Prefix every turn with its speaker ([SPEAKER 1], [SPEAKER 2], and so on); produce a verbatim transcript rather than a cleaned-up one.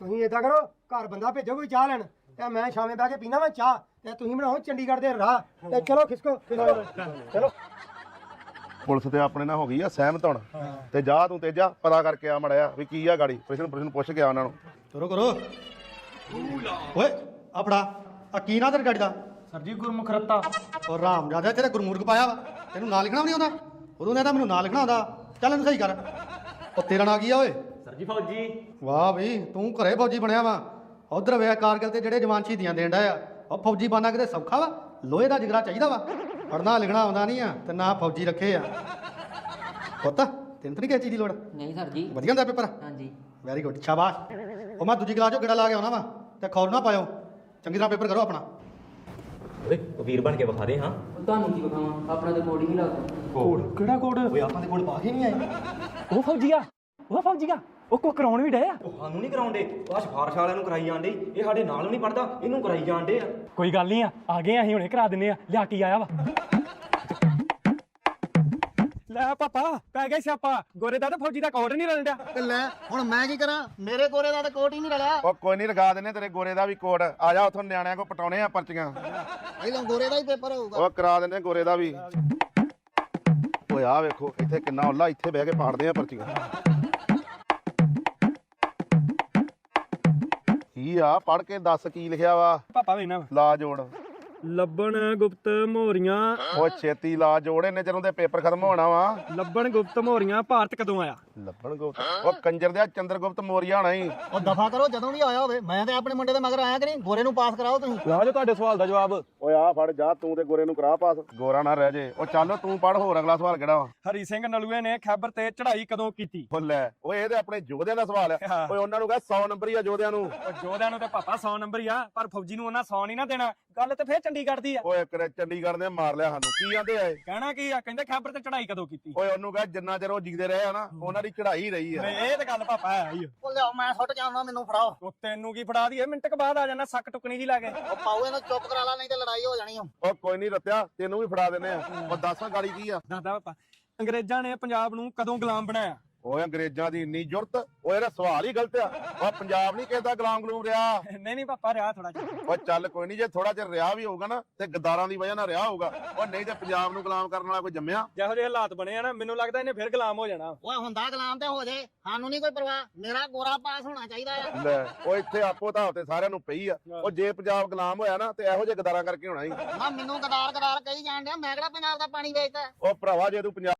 [SPEAKER 1] ਤੁਸੀਂ ਏਦਾਂ ਕਰੋ, ਘਰ ਬੰਦਾ ਭੇਜੋ ਕੋਈ ਚਾਹ ਲੈਣ ਤੇ ਮੈਂ ਸ਼ਾਮੇ ਬਹਿ ਕੇ ਪੀਣਾ ਮੈਂ ਚਾਹ ਤੇ ਤੁਸੀਂ ਬਣਾਓ ਚੰਡੀਗੜ੍ਹ ਦੇ ਰਾਹ ਤੇ ਚਲੋ ਖਿਸਕੋ ਚਲੋ।
[SPEAKER 2] ਪੁਲਿਸ ਤੇ ਆਪਣੇ ਨਾਲ ਹੋ ਗਈ ਆ ਸਹਿਮਤ ਹੁਣ ਤੇ ਜਾ ਤੂੰ ਤੇਜਾ ਪਤਾ ਕਰਕੇ ਆ ਮੜਿਆ ਵੀ ਕੀ ਆ ਗਾੜੀ ਪ੍ਰਸ਼ਨ ਪ੍ਰਸ਼ਨ ਪੁੱਛ ਕੇ ਆ ਉਹਨਾਂ ਨੂੰ।
[SPEAKER 3] ਕਰੋ ਕਰੋ ਓਏ ਆ ਫੜਾ ਆ ਕੀ ਨਾ ਤੇਰੀ ਗਾੜੀ ਦਾ?
[SPEAKER 1] ਸਰ ਜੀ ਗੁਰਮੁਖ ਰੱਤਾ।
[SPEAKER 3] ਉਹ ਰਾਮ ਰਾਜਾ ਤੇਰੇ ਗੁਰਮੂਰਖ ਪਾਇਆ ਵਾ, ਤੈਨੂੰ ਨਾਂ ਲਿਖਣਾ ਵੀ ਨਹੀਂ ਆਉਂਦਾ? ਉਦੋਂ ਕਹਿੰਦਾ ਮੈਨੂੰ ਨਾਂ ਲਿਖਣਾ ਆਉਂਦਾ। ਚੱਲ ਇਹਨੂੰ ਸਹੀ ਕਰ। ਉਹ ਤੇਰਾ ਨਾਂ ਕੀ ਆ ਓਏ?
[SPEAKER 4] ਸਰ ਜੀ ਫੌਜੀ।
[SPEAKER 3] ਵਾਹ ਬਈ ਤੂੰ ਘਰੇ ਫੌਜੀ ਬਣਿਆ ਵਾ। ਉਧਰ ਵੇ ਕਾਰਗਿਲ ਤੇ ਜਿਹੜੇ ਜਵਾਨ ਸ਼ਹੀਦੀਆਂ ਦੇਣ ਡਿਆ ਆ, ਉਹ ਫੌਜੀ ਬਣਨਾ ਕਿਤੇ ਸੌਖਾ ਵਾ? ਲੋਹੇ ਦਾ ਜਿਗਰਾ ਚਾਹੀਦਾ ਵਾ। ਪੜ੍ਹਨਾ ਲਿਖਣਾ ਆਉਂਦਾ ਨਹੀਂ ਆ ਤੇ ਨਾ ਫੌਜੀ ਰੱਖੇ ਆ। ਪੁੱਤ ਤੈਨੂੰ ਤਾਂ ਨਹੀਂ ਕਿਸੇ ਚੀਜ਼ ਦੀ ਲੋੜ?
[SPEAKER 5] ਨਹੀਂ ਸਰ ਜੀ।
[SPEAKER 3] ਵਧੀਆ ਹੁੰਦਾ ਪੇਪਰ?
[SPEAKER 5] ਹਾਂਜੀ।
[SPEAKER 3] ਵੈਰੀ ਗੁੱਡ ਸ਼ਾਬਾਸ਼। ਉਹ ਮੈਂ ਦੂਜੀ ਕਲਾਸ ਚੋਂ ਗੇੜਾ ਲਾ ਕੇ ਆਉਣਾ ਵਾ ਤੇ ਖੌਰ ਨਾ ਪਾਇਓ। ਚੰਗੀ ਤਰ੍ਹਾਂ ਪੇਪਰ ਕਰੋ ਆਪਣਾ।
[SPEAKER 4] ਓਏ ਵੀਰ ਬਣ ਕੇ ਵਿਖਾ ਦੇ। ਹਾਂ
[SPEAKER 5] ਤੁਹਾਨੂੰ ਕੀ ਵਿਖਾਵਾਂ, ਆਪਣਾ ਤੇ ਕੋਡ ਹੀ ਨਹੀਂ ਲੱਗਦਾ।
[SPEAKER 4] ਕੋਡ
[SPEAKER 1] ਕਿਹੜਾ ਕੋਡ?
[SPEAKER 3] ਓਏ ਆਪਾਂ ਦੇ ਕੋਲ ਪਾ ਕੇ ਨਹੀਂ ਆਏ।
[SPEAKER 1] ਉਹ ਫੌਜੀ ਆ, ਉਹ ਫੌਜੀ ਆ, ਉਹ ਕੋ ਕਰਾਉਣ ਵੀ ਡੇ ਆ।
[SPEAKER 4] ਉਹ ਸਾਨੂੰ ਨਹੀਂ ਕਰਾਉਂਦੇ, ਆਹ ਸਿਫਾਰਿਸ਼ ਵਾਲਿਆਂ ਨੂੰ ਕਰਾਈ ਜਾਂਦੇ। ਇਹ ਸਾਡੇ ਨਾਲ ਨਹੀਂ ਪੜਦਾ, ਇਹਨੂੰ ਕਰਾਈ ਜਾਂਦੇ ਆ।
[SPEAKER 1] ਕੋਈ ਗੱਲ ਨਹੀਂ ਆ, ਆ ਗਏ ਅਸੀਂ ਹੁਣੇ ਕਰਾ ਦਿੰਨੇ ਆ। ਲਿਆ ਕੀ ਆਇਆ ਵਾ? ਲੈ ਪਾਪਾ ਪੈ ਗਿਆ ਸਿਆਪਾ, ਗੋਰੇ ਦਾ ਤੇ ਫੌਜੀ ਦਾ ਕੋਡ ਨਹੀਂ ਰਲਦਾ।
[SPEAKER 3] ਤੇ ਲੈ ਹੁਣ ਮੈਂ ਕੀ ਕਰਾਂ, ਮੇਰੇ ਕੋਰੇ ਦਾ ਤਾਂ ਕੋਟ ਹੀ ਨਹੀਂ ਰਲਿਆ।
[SPEAKER 2] ਉਹ ਕੋਈ ਨਹੀਂ ਲਗਾ ਦਿੰਨੇ ਤੇਰੇ ਗੋਰੇ ਦਾ ਵੀ ਕੋਡ। ਆ ਜਾ ਉਥੋਂ ਨਿਆਣਿਆਂ ਕੋ ਪਟਾਉਣੇ ਆ ਪਰਚੀਆਂ।
[SPEAKER 3] ਪਹਿਲਾਂ ਗੋਰੇ ਦਾ ਹੀ ਪੇਪਰ ਹੋਊਗਾ।
[SPEAKER 2] ਉਹ ਕਰਾ ਦਿੰਨੇ ਗੋਰੇ ਦਾ ਵੀ। ਓਏ ਆ ਵੇਖੋ ਇੱਥੇ ਕਿੰਨਾ ਉੱਲਾ, ਇੱਥੇ ਬਹਿ ਕੇ ਪਾੜਦੇ ਆ ਪਰਚੀਆਂ। ਕੀ ਆ ਪੜ ਕੇ ਦੱਸ ਕੀ ਲਿਖਿਆ ਵਾ?
[SPEAKER 1] ਪਾਪਾ ਵੇਖਣਾ
[SPEAKER 2] ਲਾ ਜੋੜ।
[SPEAKER 1] ਲੱਭਣ ਗੁਪਤ ਮੋਰੀਆਂ।
[SPEAKER 2] ਉਹ ਛੇਤੀ ਲਾ ਜੋੜ, ਇਹਨੇ ਜਦੋਂ ਦੇ ਪੇਪਰ ਖਤਮ ਹੋਣਾ ਵਾ।
[SPEAKER 1] ਲੱਭਣ ਗੁਪਤ ਮੋਰੀਆਂ ਭਾਰਤ ਕਦੋਂ ਆਇਆ?
[SPEAKER 2] ਲੱਭਣ ਗੁਪਤ ਉਹ ਕੰਜਰ ਦੇ ਚੰਦਰਗੁਪਤ ਮੌਰੀਆ ਹੋਣਾ ਹੀ।
[SPEAKER 3] ਉਹ ਦਫਾ ਕਰੋ, ਜਦੋਂ ਵੀ ਆਇਆ ਹੋਵੇ। ਮੈਂ ਤੇ ਆਪਣੇ ਮੁੰਡੇ ਦੇ ਮਗਰ ਆਇਆ ਕਿ ਨਹੀਂ? ਗੋਰੇ ਨੂੰ ਪਾਸ ਕਰਾਓ ਤੁਸੀਂ।
[SPEAKER 1] ਲਾ ਜੋ ਤੁਹਾਡੇ ਸਵਾਲ ਦਾ ਜਵਾਬ।
[SPEAKER 2] ਓਏ ਆ ਫੜ ਜਾ, ਤੂੰ ਤੇ ਗੋਰੇ ਨੂੰ ਕਰਾ ਪਾਸ, ਗੋਰਾ ਨਾ ਰਹਿ ਜੇ। ਉਹ ਚੱਲ ਤੂੰ ਪੜ, ਹੋਰ ਅਗਲਾ ਸਵਾਲ ਕਿਹੜਾ ਵਾ?
[SPEAKER 1] ਹਰੀ ਸਿੰਘ ਨਲੂਏ ਨੇ ਖੈਬਰ ਤੇ ਚੜ੍ਹਾਈ ਕਦੋਂ ਕੀਤੀ?
[SPEAKER 2] ਉਹ ਲੈ ਓਏ ਇਹ ਤੇ ਆਪਣੇ ਯੋਧਿਆਂ ਦਾ ਸਵਾਲ ਆ। ਓਏ ਉਹਨਾਂ ਨੂੰ ਕਹ ਸੌ ਨੰਬਰ ਹੀ ਆ ਯੋਧਿਆਂ ਨੂੰ।
[SPEAKER 1] ਉਹ ਜੋਧਿਆਂ ਨੂੰ ਤੇ ਪਾਪਾ ਸੌ ਨੰਬਰ ਹੀ ਆ, ਪਰ ਫੌਜੀ ਨੂੰ ਉਹਨਾਂ ਸੌ ਨਹੀਂ ਨਾ ਦੇਣਾ। ਗੱਲ ਤੇ ਫੇਰ ਚੰਡੀਗੜ੍ਹ ਦੀ ਆ।
[SPEAKER 2] ਓਏ ਕਰੇ ਚੰਡੀਗੜ੍ਹ ਨੇ ਮਾਰ ਲਿਆ ਸਾਨੂੰ। ਕੀ ਆਂਦੇ ਆ ਇਹ?
[SPEAKER 1] ਕਹਿਣਾ ਕੀ ਆ, ਕਹਿੰਦੇ ਖੈਬਰ ਤੇ ਚੜ੍ਹਾਈ ਕਦੋਂ ਕੀਤੀ?
[SPEAKER 2] ਓਏ ਉਹਨੂੰ ਕਹ ਜਿੰਨਾ ਚਿਰ ਉਹ ਜਿਗਦੇ ਰਹੇ ਆ ਨਾ, ਉਹਨਾਂ ਦੀ ਚੜ੍ਹਾਈ ਰਹੀ ਆ।
[SPEAKER 1] ਨਹੀਂ ਇਹ ਤੇ ਗੱਲ ਪਾਪਾ ਹੈ ਹੀ।
[SPEAKER 3] ਉਹ ਲਿਆਓ, ਮੈਂ ਸੁੱਟ ਜਾਣਾ, ਮੈਨੂੰ ਫੜਾਓ।
[SPEAKER 1] ਉਹ ਤੈਨੂੰ ਕੀ ਫੜਾ ਦਈਏ, ਮਿੰਟ ਕ ਬਾਅਦ ਆ ਜਾਣਾ ਸੱਕ ਟੁਕਣੀ ਜੀ ਲਾ ਕੇ।
[SPEAKER 3] ਉਹ ਪਾਓ ਇਹਨੂੰ, ਚੁੱਪ ਕਰਾ ਲਾ, ਨਹੀਂ ਤੇ ਲੜਾਈ ਹੋ ਜਾਣੀ ਆ।
[SPEAKER 2] ਉਹ ਕੋਈ ਨਹੀਂ ਰੱਤਿਆ, ਤੈਨੂੰ ਵੀ ਫੜਾ ਦਿੰਨੇ ਆ। ਉਹ ਦੱਸਾਂ ਗਾੜੀ ਕੀ ਆ?
[SPEAKER 1] ਦੱਸਦਾ ਪਾਪਾ, ਅੰਗਰੇਜ਼ਾਂ ਨੇ ਪੰਜਾਬ ਨੂੰ ਕਦੋਂ ਗੁਲਾਮ ਬਣਾਇਆ?
[SPEAKER 2] ਓਏ ਅੰਗਰੇਜ਼ਾਂ ਦੀ ਇੰਨੀ ਜ਼ੁਰਤ। ਓਏ ਇਹਦਾ ਸਵਾਲ ਹੀ ਗਲਤ ਆ। ਉਹ ਪੰਜਾਬ ਨਹੀਂ ਕਿਸੇ ਦਾ ਗੁਲਾਮ ਗਲੂਮ ਰਿਹਾ।
[SPEAKER 1] ਨਹੀਂ ਨਹੀਂ ਪਾਪਾ ਰਿਹਾ ਥੋੜਾ ਜਿਹਾ।
[SPEAKER 2] ਓ ਚੱਲ ਕੋਈ ਨਹੀਂ, ਜੇ ਥੋੜਾ ਚਿਰ ਰਿਹਾ ਵੀ ਹੋਊਗਾ ਨਾ ਤੇ ਗਦਾਰਾਂ ਦੀ ਵਜ੍ਹਾ ਨਾਲ ਰਿਹਾ ਹੋਊਗਾ। ਉਹ ਨਹੀਂ ਤੇ ਪੰਜਾਬ ਨੂੰ ਗੁਲਾਮ ਕਰਨ ਵਾਲਾ ਕੋਈ ਜੰਮਿਆ?
[SPEAKER 1] ਜਿਹੋ ਜਿਹੇ ਹਾਲਾਤ ਬਣੇ ਆ ਨਾ, ਮੈਨੂੰ ਲੱਗਦਾ ਇਹਨੇ ਫਿਰ ਗੁਲਾਮ ਹੋ ਜਾਣਾ।
[SPEAKER 3] ਓਏ ਹੁੰਦਾ ਗੁਲਾਮ ਤੇ ਹੋ ਜੇ, ਸਾਨੂੰ ਨਹੀਂ ਕੋਈ ਪਰਵਾਹ। ਮੇਰਾ ਗੋਰਾ ਪਾਸ ਹੋਣਾ ਚਾਹੀਦਾ ਆ।
[SPEAKER 2] ਲੈ ਉਹ ਇੱਥੇ ਆਪੋ ਤਾਂ ਤੇ ਸਾਰਿਆਂ ਨੂੰ ਪਈ ਆ। ਉਹ ਜੇ ਪੰਜਾਬ ਗੁਲਾਮ ਹੋਇਆ ਨਾ ਤੇ ਇਹੋ ਜਿਹੇ ਗਦਾਰਾਂ ਕਰਕੇ ਹੋਣਾ ਹੀ।
[SPEAKER 3] ਨਾ ਮੈਨੂੰ ਗਦਾਰ ਗਦਾਰ ਕਹੀ ਜਾਣ ਡਿਆ, ਮੈਂ ਕਿਹੜਾ ਪੰਜਾਬ ਦਾ ਪਾਣੀ ਵੇਚਦਾ।
[SPEAKER 2] ਉਹ ਭਰਾਵਾ ਜੇ ਤੂੰ ਪੰਜਾਬ